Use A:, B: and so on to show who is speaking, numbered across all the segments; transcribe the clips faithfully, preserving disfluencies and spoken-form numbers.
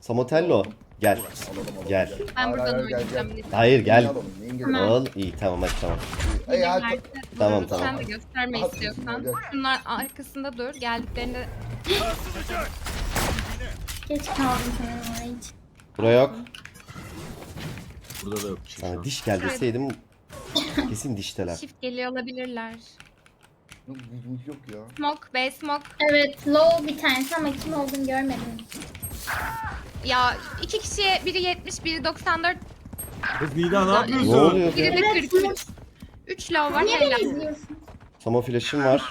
A: Samotello gel.
B: Alalım, alalım,
A: Gel.
B: gel.
C: Ben
B: Hayır,
C: buradan
B: hayır, gel,
C: oynayacağım.
B: gel.
C: bir de.
A: Hayır gel.
B: Neyin alalım, neyin
C: Tamam.
B: gelelim?
A: Al iyi tamam hadi tamam.
B: Ey, hadi.
C: Herkes
A: Tamam,
C: bunu
A: tamam.
C: Sen de gösterme
B: Hadi,
C: istiyorsan.
B: gel.
C: Şunlar arkasında dur. Geldiklerinde
D: Geç kaldım sana hiç.
A: Buraya yok.
E: Burada da yok bir şey şu
A: Sana
E: an.
A: diş gel deseydim kesin dişteler.
C: shift geliyor olabilirler.
B: Yok, yok, yok ya.
C: Smoke, B smoke.
D: Evet low bir tanesi ama kim olduğunu görmedim.
C: Ya iki kişiye biri yetmiş, biri doksan dört,
E: Kız Nida ne
A: Ne
E: yapıyorsun?
A: oluyor?
C: biri de kırk üç. üç low var.
D: Niye
C: Helal.
D: beni izliyorsun?
A: Samo flash'im var.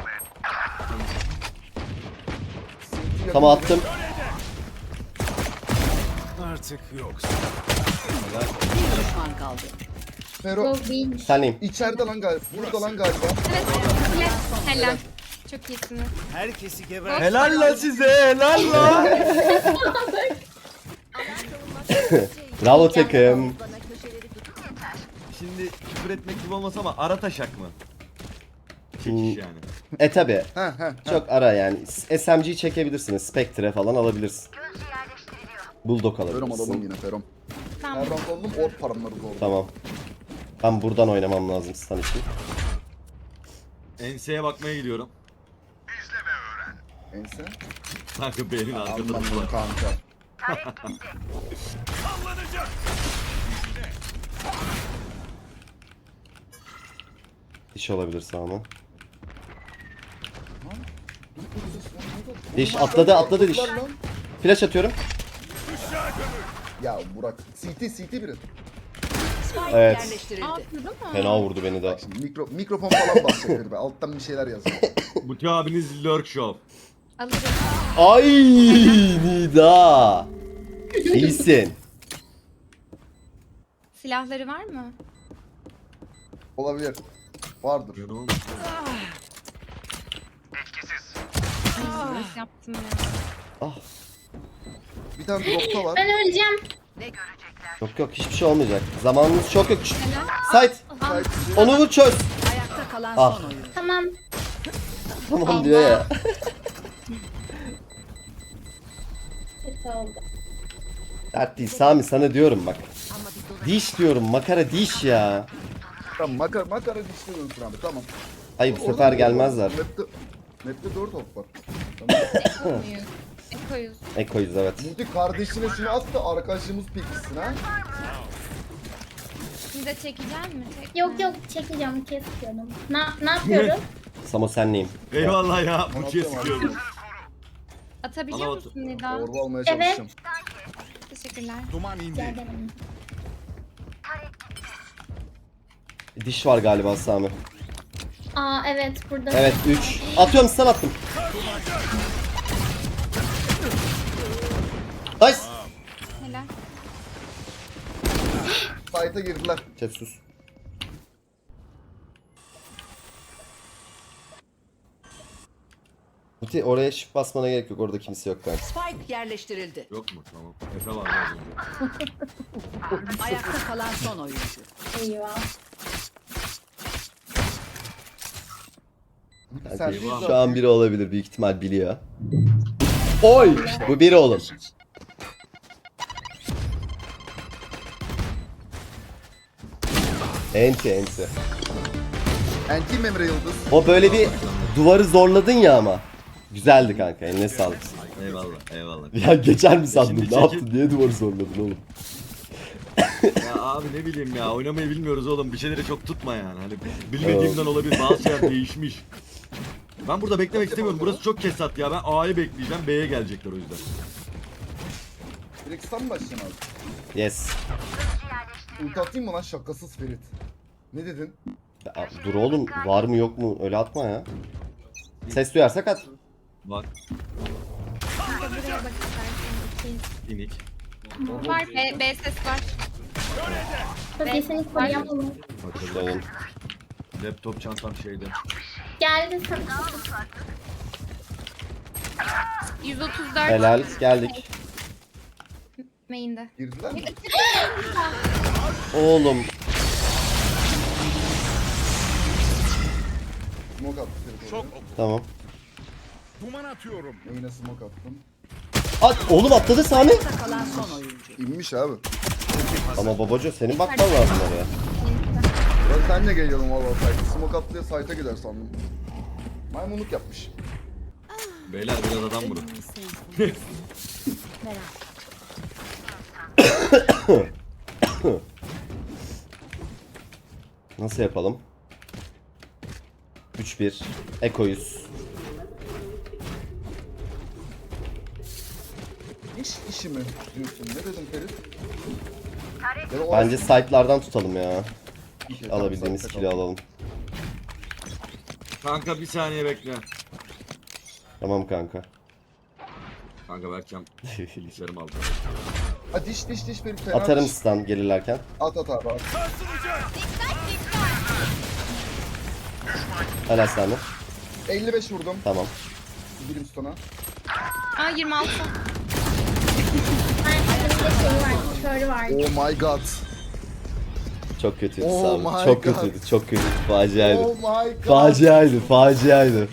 B: Sinti
A: Tamam
B: yakın.
A: attım.
F: Artık yok.
G: Bir düşman kaldı.
B: Fero
D: Low değilmiş.
A: Senleyim.
B: içeride lan galiba. Burada lan galiba.
C: Evet, helal. Helal. Çok iyisiniz.
F: Herkesi geber.
E: Helal lan size helal lan.
A: Bravo takım.
E: Şimdi küfür etmek gibi olmasa ama ara taşak mı?
A: Hmm.
E: Çekiş yani.
A: E tabi.
B: Ha ha.
A: Çok ara yani. S M G'yi çekebilirsiniz. Spectre falan alabilirsin. Bulldog
B: Ferom alalım
A: alabilirsin.
B: yine Ferom.
C: Tamam.
B: Her round alalım or paramları oldu.
A: Tamam. Ben buradan oynamam lazım stun için.
E: Enseye bakmaya gidiyorum.
B: Ense.
E: Kanka beynin arka
B: Anladım
E: tarafı var.
B: kanka.
A: Diş olabilir sağıma. Diş atladı atladı diş.
B: Lan.
A: Flash atıyorum.
B: Ya Burak. C T C T biri.
G: Spike
A: Evet.
G: yerleştirildi.
C: Aa, vurdu mu?
A: Fena vurdu beni de.
B: Şimdi mikro, mikrofon falan bahsediyor be. Alttan bir şeyler yazıyor.
E: Buti abiniz lurk show.
C: Alırım.
A: Ay Nida. İyisin.
C: Silahları var mı?
B: Olabilir. Vardır.
C: Nasıl yaptım ya?
A: Ah.
B: Bir tane dropta var.
D: Ben öleceğim.
A: Yok yok hiçbir şey olmayacak. Zamanımız çok yok.
C: Helal.
A: Sait.
B: Sait
A: Onu vur çöz.
G: Ayakta kalan
A: Ah.
G: son oyuncu.
D: Tamam.
A: Tamam diyor ya.
D: Kötü oldu.
A: Dert değil Sami sana diyorum bak. Diş diyorum makara diş ya.
B: Tamam makara makara dişliyorsun abi tamam.
A: Ay bu sefer gelmezler.
B: Map'te, map'te dört top var. Tamam.
C: Ekoyuz. Ekoyuz.
A: Ekoyuz evet.
B: Muti kardeşine şunu at da arkadaşımız pekişsin ha.
C: Siz de çekecek mi? Çekme.
D: Yok yok çekeceğim kesiyorum. Ne, ne yapıyorum?
A: Samo senleyim.
E: Eyvallah ya. Buti'ye
B: Anlatıyorum
E: sıkıyorum.
C: Atabiliyor
E: Bana
C: musun Nida?
B: Orba almaya
D: Evet.
B: çalışacağım.
C: Teşekkürler.
F: Duman indi.
D: Gel denelim.
A: Diş var galiba Sami.
D: Aa evet burada.
A: Evet üç. Atıyorum stun attım. Nice.
C: Helal.
B: Fight'a girdiler.
A: Chat sus. Muti oraya shift basmana gerek yok. Orada kimse yok galiba.
G: Spike yerleştirildi.
E: Yok mu? Tamam. Efe var az önce.
G: Ayakta kalan son oyuncu.
D: Eyvah.
B: Sen
E: Eyvah.
B: değil
A: Şu an biri olabilir. Büyük ihtimal biliyor. Oy! Bu biri oğlum. Enti enti.
B: Anti Memre Yıldız.
A: O böyle bir duvarı zorladın ya ama. Güzeldi kanka. Eline sağlık.
E: Eyvallah eyvallah.
A: Ya geçer mi sandın?
E: Şimdi
A: Ne
E: çekil.
A: yaptın? Niye duvarı zorladın oğlum?
E: Ya abi ne bileyim ya oynamayı bilmiyoruz oğlum bir şeyleri çok tutma yani hani bilmediğimden olabilir bazı şeyler değişmiş. Ben burada beklemek istemiyorum burası çok kesat ya ben A'yı bekleyeceğim B'ye gelecekler o yüzden.
B: Direkt sen mi başlayacaksın abi?
A: Yes.
B: Ulti atayım mı lan şakasız Ferit? Ne dedin?
A: Ya, dur oğlum. Var mı yok mu? Öyle atma ya. Ses duyarsak at.
E: Bak
C: Bir de buraya bak istersen.
E: inik.
C: İki. Var. B, B ses var.
D: Bölgesini koruyamam.
A: Dönün.
E: Laptop çantam şeyde.
D: Geldi sana.
C: yüz otuz dört.
A: Helal. Geldik.
C: Main'de.
B: Girdiler mi?
A: Oğlum.
B: Smoke attı Ferit
F: Çok
B: oraya.
F: oku.
A: Tamam.
F: Duman atıyorum.
B: Yine smoke attım.
A: At, oğlum atladı Sami.
G: Ayakta kalan son oyuncu.
B: İnmiş abi.
A: Ama babaca senin bakman lazım oraya.
B: Ben senle geliyorum valla site. Smoke atlıya site'a gider sandım. Maymunluk yapmış.
E: Beyler biraz adam vurun.
A: Nasıl yapalım? üç bir. Ekoyuz.
B: İş işi mi diyorsun? Ne dedim Ferit? Ya da o
A: Bence site'lardan tutalım ya.
B: Şey,
A: Alabildiğimiz
B: tamam,
A: kill'i alalım.
E: Kanka bir saniye bekle.
A: Tamam kanka.
E: Kanka Berkcan bilgisayarımı aldı.
B: Ha diş diş diş Ferit fena
A: Atarım
B: diş.
A: stun gelirlerken.
B: At at abi at.
A: Helal Sami.
B: elli beş vurdum.
A: Tamam.
B: Birim stona.
C: Aa yirmi altı.
D: Ay, adamın da şeyi var, körü var.
B: Oh my god.
A: Çok kötüydü
B: Oh
A: Sami.
B: my
A: Çok
B: God.
A: kötüydü. Çok kötüydü. Faciaydı.
B: Oh my god.
A: Faciaydı. Faciaydı.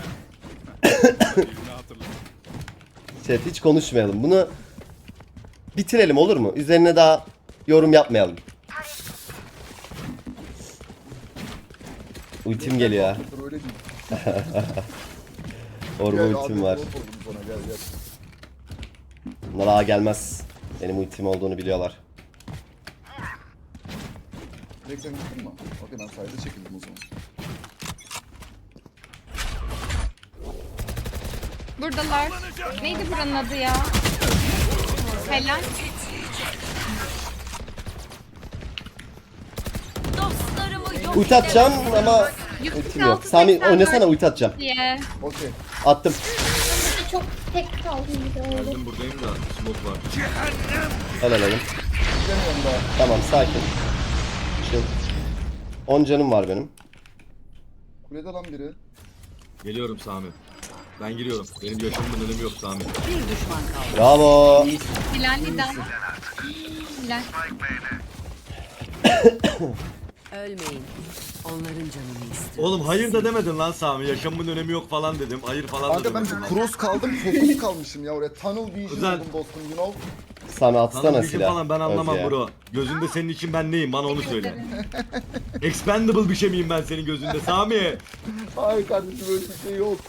A: Chat hiç konuşmayalım. Bunu bitirelim olur mu? Üzerine daha yorum yapmayalım. Ultim geliyor ya.
B: Öyle değil.
A: Orba
B: Gel
A: ultim
B: abi,
A: var.
B: drop oldum sana, gel gel.
A: Bunlar ağa gelmez. Benim ultim olduğunu biliyorlar.
B: Direkt sen gittin mi? Okey ben sayede çekildim o zaman.
C: Buradalar. Neydi buranın adı ya? Helal.
A: Ulti atacağım ama
C: yüz kırk
A: ultim yok.
C: altı,
A: Sami
C: seksen
A: oynasana
C: dört
A: ulti atacağım.
C: diye.
B: Okey.
A: Attım.
D: Çok tek kaldı gibi oldu.
E: Geldim buradayım da smoke var.
A: Helal oğlum.
B: Gidemiyorum daha.
A: Tamam sakin. Chill. on canım var benim.
B: Kulede lan biri.
E: Geliyorum Sami. Ben giriyorum. Benim yaşamımın önemi yok Sami.
G: Bir düşman kaldı.
A: Bravo.
C: Hilal Nida. Hilal.
G: Ölmeyin. Onların canını istiyor.
E: Oğlum hayır da demedin lan Sami. Yaşamımın önemi yok falan dedim. Hayır falan da
B: Kanka ben
E: demedim.
B: bir cross kaldım, fokus kalmışım ya oraya. Tunnel vision
E: Güzel.
B: buldum dostum, you know.
A: Sami atsana
E: Sana bir
A: silah.
E: falan ben anlamam
A: Özge.
E: bro. Gözünde senin için ben neyim? Bana onu söyle. Expendable bir şey miyim ben senin gözünde Sami?
B: Hayır kardeşim öyle bir şey yok.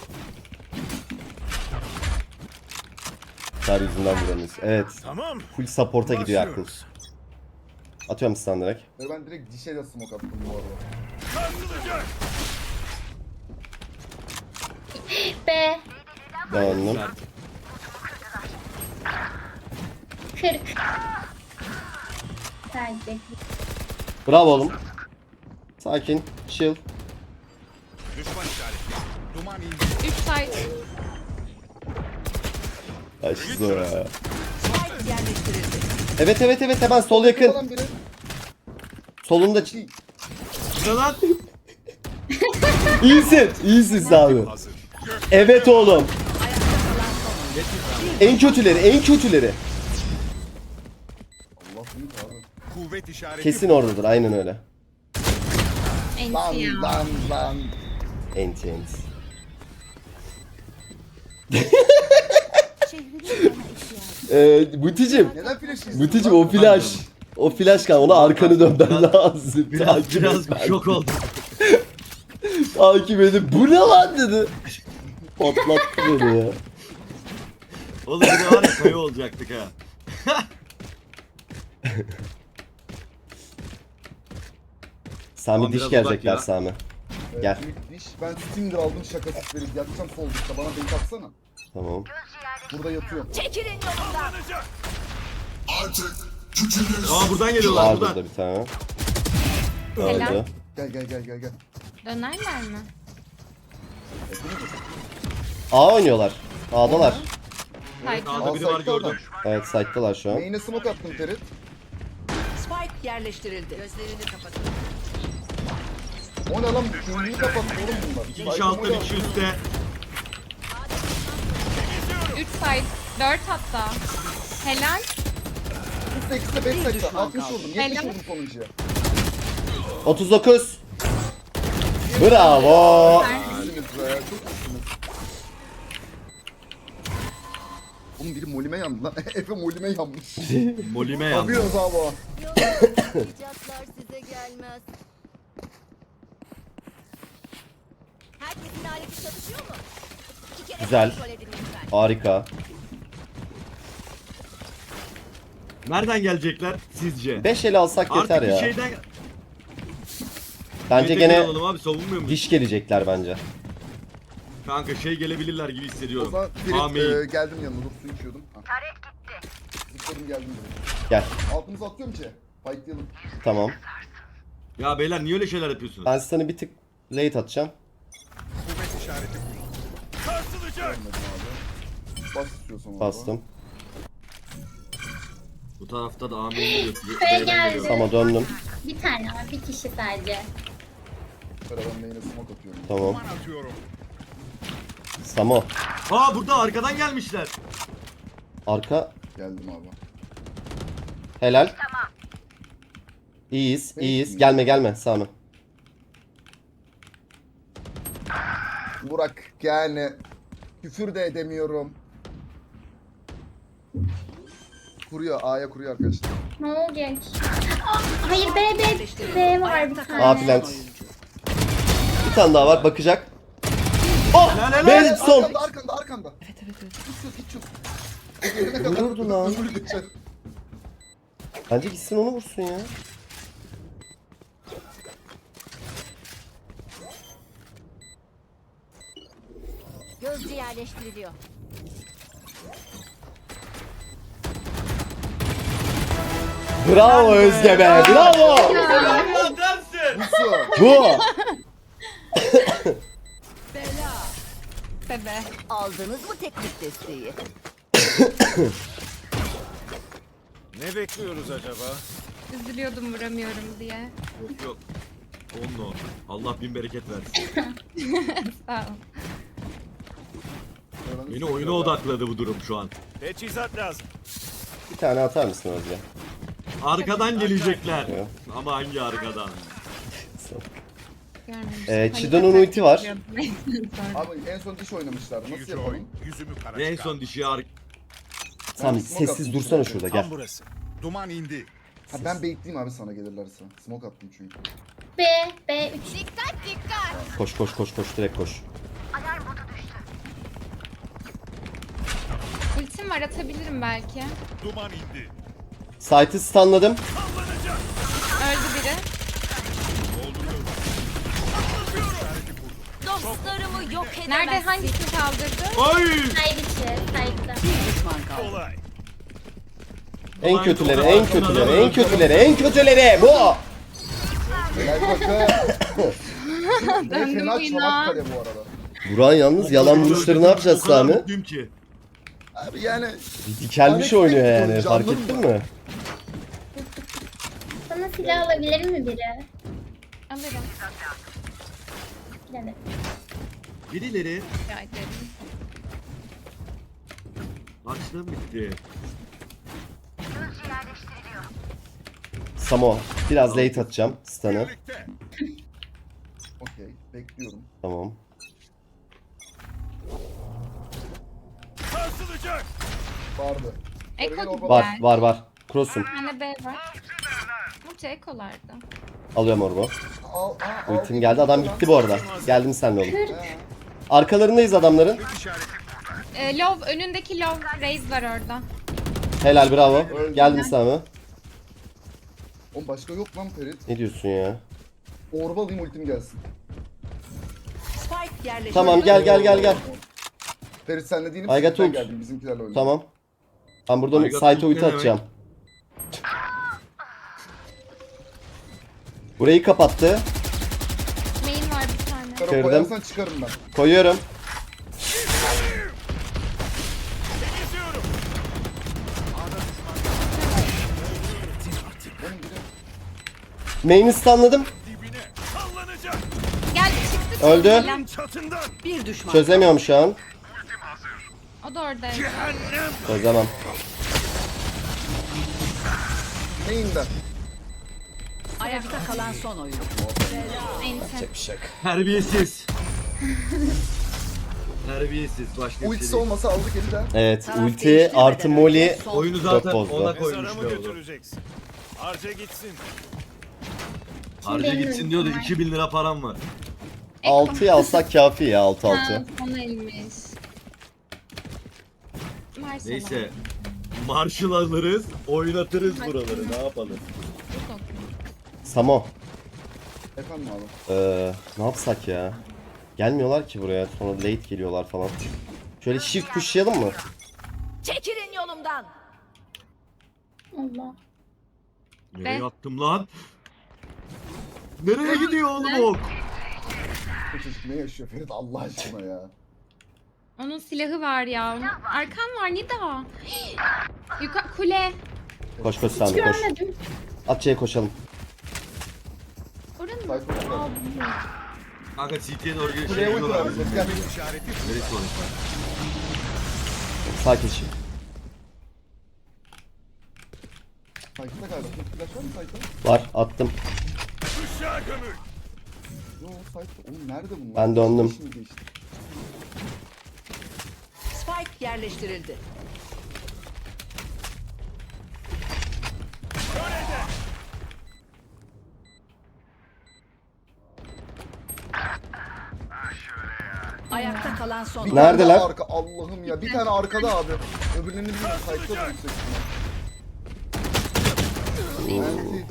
A: Çar yüzünden vuramıyoruz. Evet.
F: Tamam.
A: Full support'a gidiyor aklım.
F: Başlıyoruz.
A: Atıyorum stun direkt.
B: Ve ben direkt dişe de smoke attım bu arada.
D: B,
A: Döndüm.
D: kırk. Tercih.
A: Bravo oğlum. Sakin. Chill.
F: Düşman işareti. Duman indi.
C: üç side.
A: Ay şu zor ya.
G: Spike yerleştirildi.
A: Evet evet evet hemen sol yakın.
B: Lan biri.
A: Solunda. ç-
E: Ne lan?
A: İyisin. İyisin Sami.
F: Hazır.
A: Evet oğlum. En kötüleri, en kötüleri.
B: Allah büyük abi.
F: Kuvvet işareti.
A: Kesin oradadır. Aynen öyle.
B: Lan
C: Enti ya.
B: lan lan.
A: Enti enti. Eee Buticim.
B: Neden flash istiyorsun?
A: Buticim o flash. O flash kan ona arkanı dönmen lazım.
E: Biraz,
A: Takip
E: biraz
A: et.
E: şok oldum.
A: Takip edip bu ne lan dedi. Patlattı beni ya.
E: Oğlum bir de var ya kayı olacaktık ha.
A: Sami
E: Tamam,
A: diş
E: biraz
A: gelecekler
E: uzak ya.
A: Sami.
B: Evet,
A: Gel.
B: büyük diş. Ben Stinger aldım şakasız verip yatacağım sol dışta. Bana bait atsana.
A: Tamam.
B: Burada yatıyorum.
E: Aa buradan geliyorlar
A: Var
E: buradan.
A: burada bir tane.
C: Helal.
A: Öldü.
B: Gel gel gel gel gel.
C: Dönerler mi?
A: A oynuyorlar. A'dalar.
E: Evet,
C: Side.
E: A'da biri var gördüm.
A: Evet site'dalar şu an.
B: Main'e smoke attım Ferit.
G: Spike yerleştirildi. Gözlerini kapatın.
B: O ne lan? Ünlüyü kapattı oğlum bunlar.
E: İki kişi altta bir kişi üstte.
C: üç side. dört hatta. Helal.
B: Üstte ikisi de beş sekte.
G: düşman
B: altmış
G: kaldı.
B: vurdum. yetmiş
C: Helal.
B: vurdum sonuncuya.
A: otuz dokuz. Bravo.
B: İyisiniz be. Çok iyisiniz. Oğlum biri molime yandı lan. Efe molime yanmış.
E: Molime yandı.
B: Yapıyoruz abi o.
H: Yollayacaklar size gelmez. Herkesin aleti çalışıyor mu? İki kere
A: Güzel.
H: kontrol edin lütfen.
A: Harika.
E: Nereden gelecekler sizce?
A: beş ele alsak
E: Artık
A: yeter
E: bir
A: ya.
E: şeyden...
A: Bence
E: Yeter
A: gene
E: alalım abi, savunmuyor muyuz?
A: diş gelecekler bence.
E: Kanka şey gelebilirler gibi
B: O
E: hissediyorum.
B: zaman
E: Amin.
B: Ferit e, geldim yanına. Dur su içiyordum. Taret gitti. Zıpladım geldim direkt.
A: Gel.
B: Altımızı atıyorum ki. Fightlayalım.
A: Tamam.
E: Ya beyler niye öyle şeyler yapıyorsunuz?
A: Ben sana bir tık late atacağım.
F: Kuvvet işareti buyurun. Sarsılacak.
B: Gelmedim abi. Bas istiyorsan abi.
A: Bastım.
E: Bu tarafta da amin geliyor.
D: Şuraya
E: B'den
D: geldi.
E: geliyor.
A: Ama döndüm.
D: Bir tane var. Bir kişi sadece.
B: Beraber main'e smoke atıyorum.
A: Tamam.
F: Duman atıyorum.
A: Samo.
E: Aa burada arkadan gelmişler.
A: Arka.
B: Geldim abi.
A: Helal. İyiyiz, iyiyiz. Gelme gelme Sami.
B: Burak yani küfür de edemiyorum. Kuruyor. A'ya kuruyor arkadaşlar.
D: Ne olacak? Aa, hayır B B B var bir tane.
A: A plant. Bir tane daha var, bakacak. Oh!
E: Helal, helal.
A: Ben son.
B: Arkanda arkanda arkanda. Evet evet evet. Hiç yok hiç yok. Ölene kadar
A: Vururdu lan.
B: ömür geçer.
A: Bence gitsin onu vursun ya.
H: Gözcü yerleştiriliyor.
A: Bravo Özge be, bravo.
B: Musu.
A: Bu.
C: Bebe.
H: Aldınız mı teknik desteği?
F: Ne bekliyoruz acaba?
C: Üzülüyordum vuramıyorum diye.
E: Yok yok. Onunla. Allah bin bereket versin.
C: Sağ ol.
E: Beni oyuna odakladı bu durum şu an.
F: Teçhizat lazım.
A: Bir tane atar mısın Özge?
E: Arkadan gelecekler.
A: Ya.
E: Ama hangi arkadan?
C: Görmemişim.
A: Ee,
C: Hani
A: Chido'nun
C: kaçak
A: ulti var.
C: yapıyordum. Neyse, sonra.
B: Abi en son diş oynamışlar. Nasıl
F: Yüzü
B: yapalım?
F: oyun, yüzümü kara
E: En
F: çıkar.
E: son dişi ar...
A: Sami
B: smoke
A: sessiz
B: attım.
A: dursana şurada gel.
F: Tam burası. Duman indi.
B: Ha ben bekleyeyim abi sana gelirlerse. Smoke attım çünkü.
D: B B üç.
H: Dikkat dikkat.
A: Koş koş koş koş direkt koş.
C: Ultim var, atabilirim belki.
F: Duman indi.
A: Site'ı stunladım.
C: Öldü biri.
H: Dostlarımı yok edemezsin.
C: Nerede, hangisini kaldırdı?
E: Ay!
D: Hayır içi. Sayıda.
G: Bir düşman kaldı.
F: Kolay.
A: En
E: Ulan
A: kötüleri,
E: çok
A: en
E: arkadan
A: kötüleri,
E: adam
A: en kötüleri, en kötüleri. Bu.
B: Gel bakın. Ne
C: Döndüm
B: fena
C: oyuna.
B: Çanakkale bu arada.
A: Buran yalnız yalan vuruşları ne yapacağız
E: O kadar
A: Sami?
E: mutluyum ki.
B: Abi yani
A: Bir dikelmiş oynuyor yani, fark ettin mi?
D: Sana silah alabilir mi biri?
C: Alırım.
D: Yani.
E: Birileri
C: Rica ederim.
E: açlığım bitti.
A: Samo, biraz late atacağım stun'ı.
F: Birlikte.
B: okey bekliyorum.
A: Tamam.
F: Sarsılacak.
B: Vardı.
C: Eko gibi
A: Var,
C: geldi.
A: var, var. Cross'um.
C: Bir tane B var. Muça ekolarda.
A: Alıyorum orbu.
B: Al, aa, al.
A: Ultim geldi, adam gitti bu arada. Geldim seninle oğlum.
B: He.
A: Arkalarındayız adamların.
F: İşareti.
C: Ee, Love, önündeki Love Raze var orada.
A: Helal, bravo. Geldim Sami.
B: Oğlum başka yok lan Ferit.
A: Ne diyorsun ya?
B: Orba alayım ultim gelsin.
G: Spike yerleştirildi.
A: Tamam, gel gel gel gel.
B: Ferit senle değilim.
A: I got
B: Ben
A: ult.
B: geldim bizimkilerle oynadım.
A: Tamam. Ben buradan
E: I got
A: site
E: ult
A: ulti
E: ne demek?
A: atacağım. Burayı kapattı.
C: Main var bir tane.
B: Kara
A: Kırdım.
B: koyarsan çıkarım ben.
A: Koyuyorum.
F: Geziyorum.
B: Oğlum biri
A: Main'i stunladım.
F: Dibine. Sallanacak.
C: Gel, çıktı.
A: Öldü.
C: Selam.
F: Çatından.
G: Bir düşman.
A: Çözemiyorum şu an.
C: O da oradaydı.
F: Cehennem.
A: Çözemem.
B: main'den.
G: Ayakta kalan son oyun.
C: Enti.
E: Terbiyesiz. Terbiyesiz başka bir şey
B: Ultisi
E: değil.
B: olmasa aldık eli de.
A: Evet
G: Taraf
A: ulti
G: değiştirmeden
A: artı
G: önce
A: Molly.
G: son-
E: Oyunu zaten
A: bozdu.
E: ona
F: Mezara
E: koymuşlar
F: mı
E: oğlum.
F: götüreceksin? Harca gitsin.
E: Harca
D: benim
E: gitsin diyor da
D: önüm var.
E: iki bin lira param var.
A: altıyı alsak kafi ya altı
C: Ha,
A: altı.
C: son elmiş. Maşallah.
E: Neyse. Marshall alırız, oynatırız buraları. Ne yapalım?
A: Samo.
B: Efendim abi.
A: Ee, ne yapsak ya? Gelmiyorlar ki buraya. Sonra late geliyorlar falan. Şöyle shift pushlayalım mı?
H: Çekilin yolumdan.
D: Allah.
E: Nereye
C: Ben-
E: attım lan? Nereye gidiyor oğlum ok?
B: Bu çocuk ne yaşıyor Ferit Allah aşkına ya.
C: Onun silahı var ya. Arkan var Nida. Yukarı kule.
A: Koş koş Sami koş.
D: Görmedim.
A: At C'ye koşalım.
C: Oranın mı?
B: Sayfa var.
E: Kanka C T'ye doğru geliyor.
B: Buraya
E: Şey
B: ulti var.
E: yapıyorlar.
B: Ses gel.
E: Neresi orası?
A: Sakin şimdi.
B: Sayfada galiba. Flash var mı sayfa?
A: Var attım.
F: Işığa gömül.
B: Yo sayfa. Oğlum nerede bunlar?
A: Ben döndüm.
B: Şimdi geçti.
G: Spike yerleştirildi. Ayakta kalan son.
B: Bir
A: Nerede
B: tane daha
A: lan?
B: Arka. Allah'ım ya. Bir tane arkada abi. Öbürlerini bilmiyorum. Sayfada da yüksek ihtimal. Anti.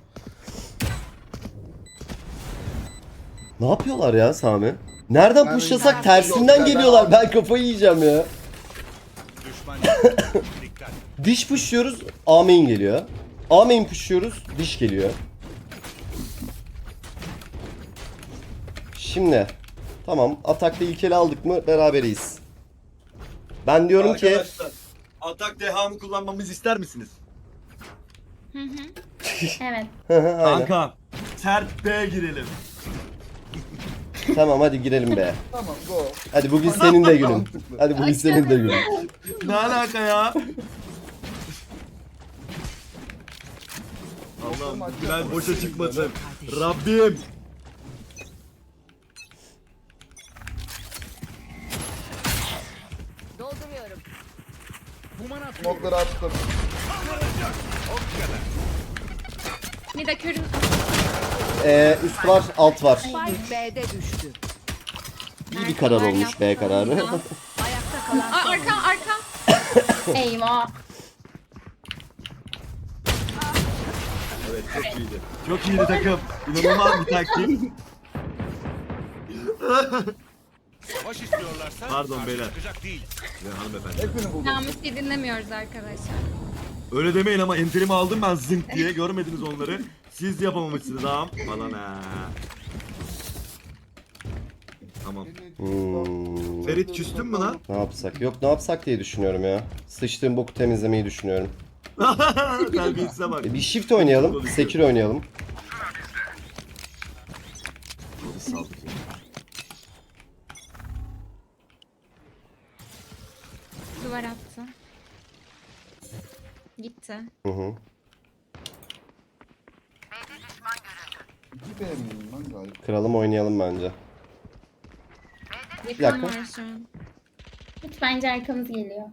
A: Ne yapıyorlar ya Sami? Nereden
B: Ben-
A: pushlasak
B: Ben-
A: tersinden
B: Ben-
A: geliyorlar. Ben kafayı yiyeceğim ya.
F: Düşman dikkat.
A: Diş pushluyoruz. A main geliyor. A main pushluyoruz. Diş geliyor. Şimdi. Tamam. Atakta ilk ele aldık mı beraberiz. Ben diyorum ki
E: Arkadaşlar, atak dehamı kullanmamızı ister misiniz?
D: Evet.
A: Aynen.
E: Kanka, sert B'ye girelim.
A: Tamam hadi girelim be.
B: Tamam go.
A: Hadi bugün senin de günün.
B: Mantıklı.
A: Hadi bugün senin de günün.
E: Ne alaka ya? Allah'ım bu plan boşa çıkmasın. Rabbim.
H: Dolduruyorum.
B: Smoke'ları attım.
C: Nida körün.
A: Ee, üst var alt var.
G: Spike B'de düştü.
A: İyi bir karar olmuş B kararı.
G: Ayakta kalan
C: Aa,
G: son.
C: arka arka.
D: Eyvah.
E: Evet çok iyiydi. Çok iyiydi takım. İnanılmaz bir taktik.
F: Savaş istiyorlarsa
E: Pardon
F: karşı
E: beyler.
F: çıkacak değil.
E: Ya hanımefendi.
B: Hepini buldum.
C: Namus'u dinlemiyoruz arkadaşlar.
E: Öyle demeyin ama enterimi aldım ben zınk diye. Görmediniz onları. Siz yapamamışsınız ağam. Falan ha. Tamam.
A: Hmm,
E: Ferit küstün mü lan?
A: ne yapsak? Yok ne yapsak diye düşünüyorum ya. Sıçtığım boku temizlemeyi düşünüyorum.
E: Terbiyesize bak.
A: E, bir shift oynayalım. Sekir oynayalım.
E: Biz saldık ya.
C: Duvar attı. Gitti.
A: Hı hı.
B: İki B miyim lan galiba?
A: Kralım oynayalım bence.
C: Yakın
A: dakika.
C: var şu an.
D: Hiç bence arkamız geliyor.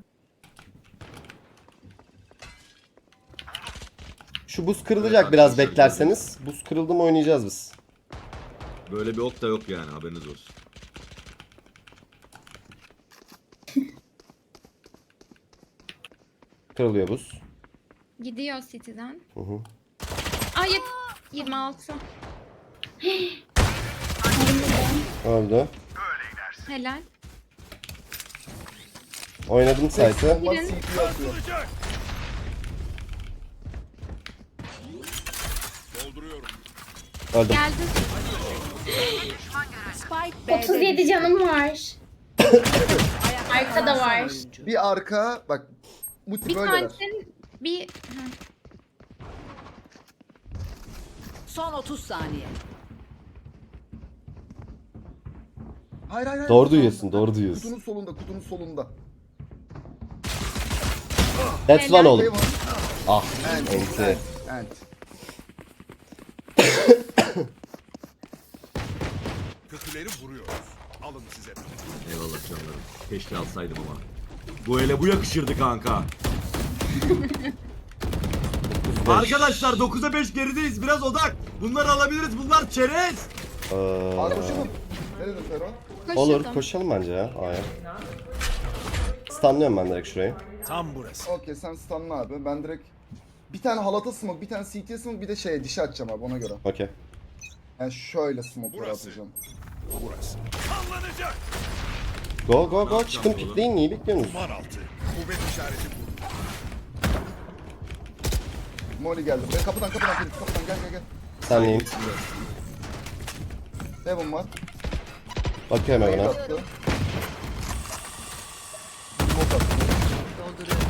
A: Şu buz kırılacak biraz beklerseniz. Buz kırıldı mı oynayacağız biz.
E: Böyle bir ok da yok yani haberiniz olsun.
A: Kırılıyor buz.
C: Gidiyor City'den.
A: Hı hı.
C: Aa yet- yirmi altı.
A: Öldü.
C: Helal.
A: Oynadım site'ı.
B: Bomba C P atıyor.
F: Atılacak. Dolduruyorum.
A: Öldüm.
C: Geldi.
G: Spike B'de
D: otuz yedi
G: düştü.
D: canım var.
G: Ayakta
D: Arkada
G: kalan son
D: var.
G: oyuncu.
B: Bir arka bak. Bu tip
C: Bir
B: böyleler.
C: tanesinin bir... Ha.
G: Son otuz saniye.
B: Hayır hayır hayır.
A: Doğru duyuyorsun, doğru duyuyorsun.
B: Kutunun solunda, kutunun solunda.
A: That's one
B: Şey
A: oğlum.
B: var.
A: Ah,
B: Ant,
A: enti.
B: ant, ant.
F: Kötüleri vuruyoruz. Alın size.
E: Eyvallah canlarım. Keşke alsaydım ama. Bu ele bu yakışırdı kanka. Arkadaşlar dokuza beş gerideyiz. Biraz odak. Bunları alabiliriz. Bunlar çerez.
A: Ee,
B: Abi koşalım. Ne dedin Fero?
A: olur
C: Koşalım.
A: koşalım bence ya. A'ya. Stunlıyorum ben direkt şurayı.
F: Tam burası.
B: Okey sen stunla abi. Ben direkt bir tane halata smoke, bir tane C T smoke, bir de şeye dişe atacağım abi ona göre.
A: Okey.
B: Yani şöyle smoke'ları
F: Burası.
B: atacağım.
F: Burası. Sallanacak.
A: Go go go çıkın pikleyin, niye bekliyorsunuz?
F: Duman altı. Kuvvet işareti bu.
B: Molly geldi. Be, kapıdan kapıdan Felix, kapıdan gel gel gel.
A: Senleyim.
B: Devon var.
A: Bakıyorum
B: Molly
A: hemen.
B: attı. Smoke attı.
G: Dolduruyorum.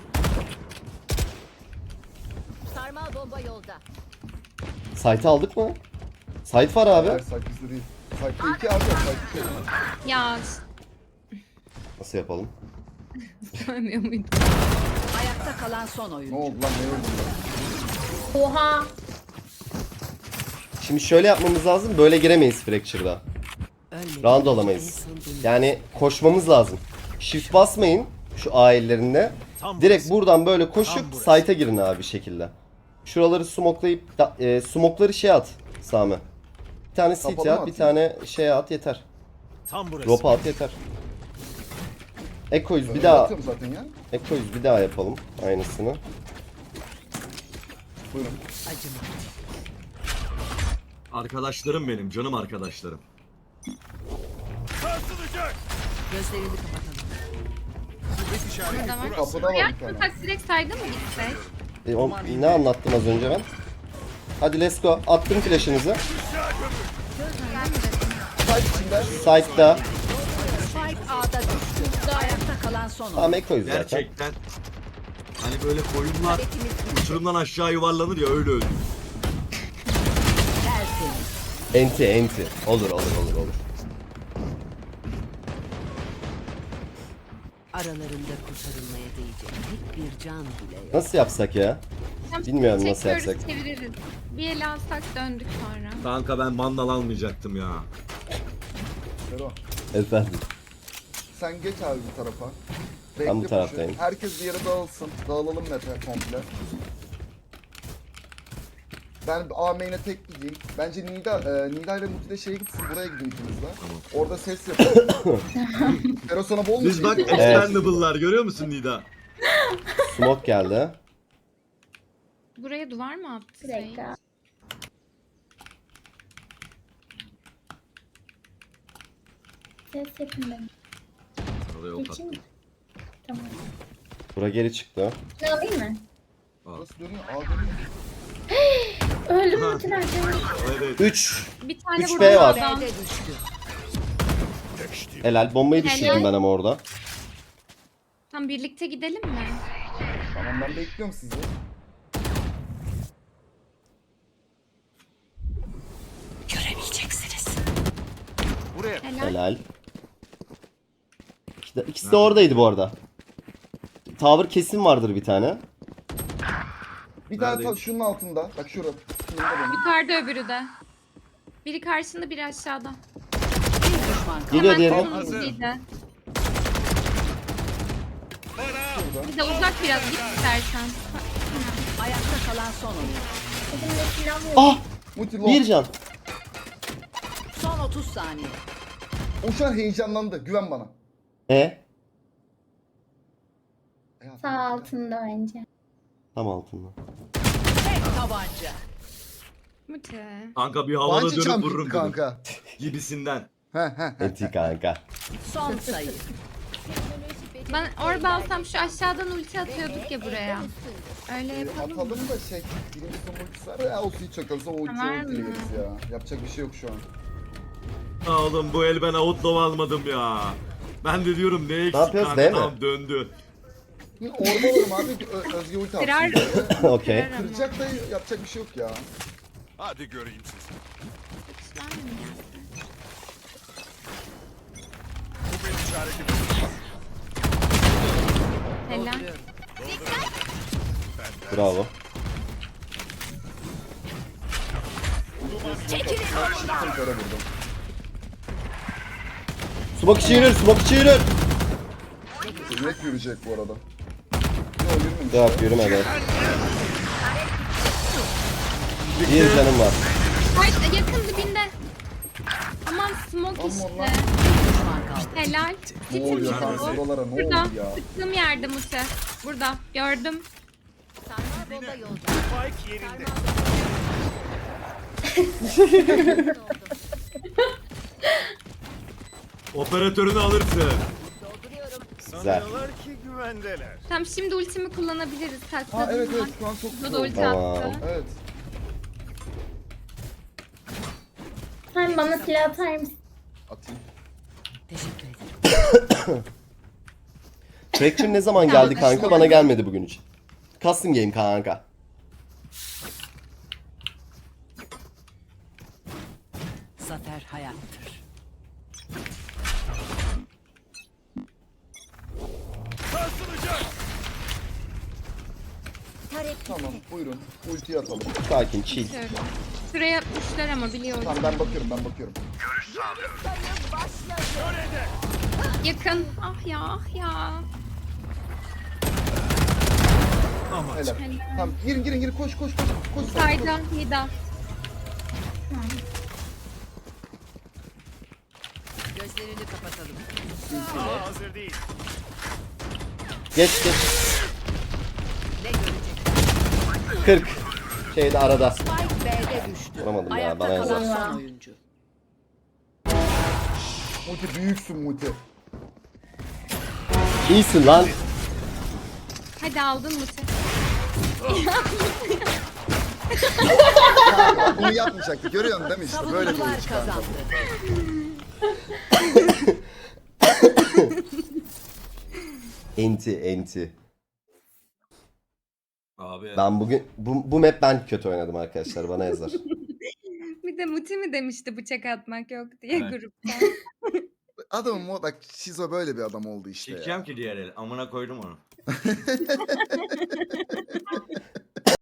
H: Sarmal bomba yolda.
A: Site'ı aldık mı? Site var abi.
B: Hayır site bizde değil. Site'de iki abi yok. Site iki.
C: Ya
A: Nasıl yapalım?
C: görmüyor muydun?
G: Ayakta kalan son
B: Ne
G: oyun.
B: oldu lan ne oldu lan?
D: Oha.
A: Şimdi şöyle yapmamız lazım. Böyle giremeyiz Fracture'da. Round alamayız. Yani koşmamız lazım. Shift basmayın şu A ellerinde.
F: Tam
A: Direkt
F: burası.
A: buradan böyle koşup
F: Tam burası.
A: site'a girin abi bir şekilde. Şuraları smoklayıp da- e, smokları şey at Sami. Bir tane
B: Kapalı
A: city
B: mı
A: at, bir
B: atayım?
A: tane şey at yeter.
F: Tam burası.
A: Ropa at yeter. Eko'yuz bir
B: Öyle
A: daha.
B: atıyorum zaten ya.
A: Eko'yuz bir daha yapalım aynısını.
B: Buyurun.
G: Acıma.
E: Arkadaşlarım benim. Canım arkadaşlarım.
F: Sarsılacak.
G: Gözlerini kapatalım.
F: Kuvvet işareti
C: Burada var.
F: burası.
B: Kapıda var
C: Ya
B: bir tane.
C: tak direkt sayda mı gitsek?
A: E, o, ne anlattım az önce ben? Hadi let's go. Attım flash'ınızı.
B: Site içinde.
A: Site'da.
G: Spike A'da düştü. Ayakta kalan son oyun.
A: Tamam Eko'yuz zaten.
E: Gerçekten. Hani böyle koyunlar uçurumdan aşağı yuvarlanır ya öyle öldü.
G: Tertemiz.
A: Enti enti. Olur olur olur olur.
G: Aralarında kurtarılmaya değecek tek bir can bile yok.
A: Nasıl yapsak ya? Bilmiyorum nasıl
C: Çekiyoruz,
A: yapsak.
C: çeviririz. Bir el alsak döndük sonra.
E: Kanka ben mandal almayacaktım ya.
B: Fero.
A: Efendim.
B: Sen geç abi bir tarafa.
A: Ben bu
B: Bekle
A: taraftayım.
B: başı. Herkes bir yere dağılsın. Dağılalım meta komple. Ben A main'e tek gideyim. Bence Nida, e, Nida ile Muti de şeye gitsin. Buraya gidin ikiniz de. Orada ses yapalım. Fero sana bol mu
E: Biz bak
B: şey?
E: expendable'lar görüyor musun Nida?
A: Smoke geldi.
C: Buraya duvar mı attı?
D: Bir dakika. Ses yapın benim.
E: Oraya ok
D: Geçeyim mi?
E: attım.
D: Tamam.
A: Bura geri çıktı.
D: Ne alayım mı?
B: Nasıl dönüyor? A dönüyor.
D: Öldüm
E: Ha.
D: Mutiler canım.
E: Evet.
A: üç.
C: Bir tane
A: üç
C: burada
A: B var.
C: adam.
G: B'de düştü.
A: Helal. Bombayı
C: Helal.
A: düşürdüm ben ama orada.
C: Tam birlikte gidelim mi?
B: Tamam ben bekliyorum sizi.
G: Göremeyeceksiniz.
F: Buraya.
C: Helal.
A: Helal. İkisi de, ikisi de oradaydı bu arada. Tower kesin vardır bir tane.
B: Bir tane
E: Neredeyim?
B: ta şunun altında. Bak şurada. Şunun da benim.
C: Yukarıda öbürü de. Biri karşında biri aşağıda.
G: Bir düşman kaldı.
A: Geliyor
C: Hemen
A: diğeri.
C: kırmızıydı.
F: Bana.
C: Bir de uzak biraz git istersen.
G: Ayakta kalan son oyun.
D: Elimde silah yok.
A: Ah!
B: Muti long.
A: Bir can.
G: Son otuz saniye.
B: O şu an heyecanlandı. Güven bana.
A: E?
B: E,
D: Sağ altında bence.
A: Tam altında.
G: Tek tabanca.
C: Mute.
E: Kanka bir havada
B: Bungee
E: dönüp
B: jump
E: vururum
B: gitti
E: dedim.
B: kanka.
E: Gibisinden.
B: He he he.
A: Enti kanka.
G: Son sayı.
C: Ben orada alsam şu aşağıdan ulti atıyorduk ya buraya. Öyle yapalım mı?
B: Atalım da şey. Birinci son ultisi var ya. Ultiyi çakılsa o ultiyi
C: Var
B: ultiyle
C: mı?
B: veririz ya. Yapacak bir şey yok şu an.
E: Aa, Oğlum bu el ben outlaw almadım ya. Ben de diyorum ne eksik
A: yapıyoruz,
E: kanka
A: değil mi?
E: tamam döndü.
B: Hı, Orada olurum abi. Ö- Özge ulti atsın.
C: Kırar.
B: diye.
A: Okey.
C: Kırar ama.
B: Kıracak da yapacak bir şey yok ya.
F: Hadi göreyim sizi.
C: Ben mi gelsin?
F: Kuvvet işareti bu.
C: Helal.
G: Dolduruyorum.
A: Bravo.
B: Çekilin. Kere vurdum.
A: Smoke içi yürür, smoke içi yürür.
B: Direkt yürüyecek bu arada. Yok yürümemiş.
A: Yok yürümedi. Bir canım var.
C: Ay, yakın dibinde. Aman smoke
B: Aman
C: işte.
B: lan.
C: Helal.
B: Ne oluyor kanka buralara ne
C: Burada.
B: oldu ya?
C: Sıktığım yerde Mute. Burada. Gördüm.
H: Sarmal bomba yolda.
F: Spike yerinde.
E: Operatörünü alırsın.
H: Dolduruyorum.
A: Güzel.
F: Sanıyorlar ki güvendeler.
C: Tamam şimdi ultimi kullanabiliriz.
B: Ha
C: Takladım.
B: evet evet şu an çok
C: Burada
B: güzel
C: da
B: oldu.
C: ulti
A: Tamam.
C: attı.
B: Evet.
D: Sen bana silah atar mısın?
B: Atayım.
G: Teşekkür ederim.
A: Fracture ne zaman geldi kanka? Bana gelmedi bugün için. Custom game kanka.
G: Zafer hayattır.
F: Sarsılacak.
H: Tarek
B: Tamam buyurun. Ultiyi atalım.
A: Sakin, chill.
C: Şöyle. Şuraya yapmışlar ama biliyorum.
B: Tamam ben bakıyorum ben bakıyorum.
C: Yakın. Ah ya ah ya.
B: Helal. Tamam girin girin girin koş koş koş. Koş. koş.
C: Sayda, Nida.
G: Gözlerini kapatalım.
F: Aa, hazır değil.
A: Geç geç.
G: Ne görecek?
A: kırk. Şeyde arada.
G: Spike B'de düştü.
A: Vuramadım ya,
G: Ayakta
A: bana
G: kalan
D: yazar.
G: son oyuncu.
B: Muti büyüksün Muti.
A: İyisin lan.
C: Hadi aldın Mute.
B: Bunu yapmayacaktı. Görüyorsun değil mi işte böyle bir
G: Savunucular
B: oyun kanka.
G: kazandı.
A: Enti enti.
E: Abi
A: Ben bugün bu, bu map ben kötü oynadım arkadaşlar, bana yazar.
C: Bir de Muti mi demişti bıçak atmak yok diye
E: Evet.
C: grupta.
B: Adamım o bak Şizo böyle bir adam oldu işte ya.
E: çekeceğim ki diğer el. Amına koydum onu.